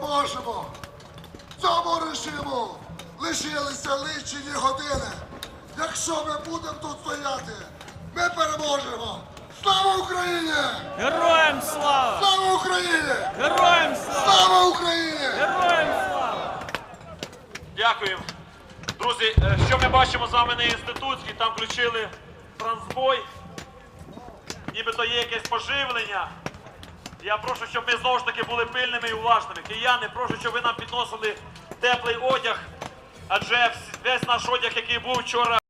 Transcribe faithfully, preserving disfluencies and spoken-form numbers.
переможемо. Цьому режиму лишилися лічені години. Якщо ми будемо тут стояти, ми переможемо. Слава Україні! Героям слава! Слава Україні! Героям слава! Слава Україні! Героям слава! Дякуємо. Друзі, що ми бачимо з вами на інститутській, там включили трансбой, нібито є якесь поживлення. Я прошу, щоб ми знову ж таки були пильними і уважними. Кияни, прошу, щоб ви нам підносили теплий одяг, адже весь наш одяг, який був вчора,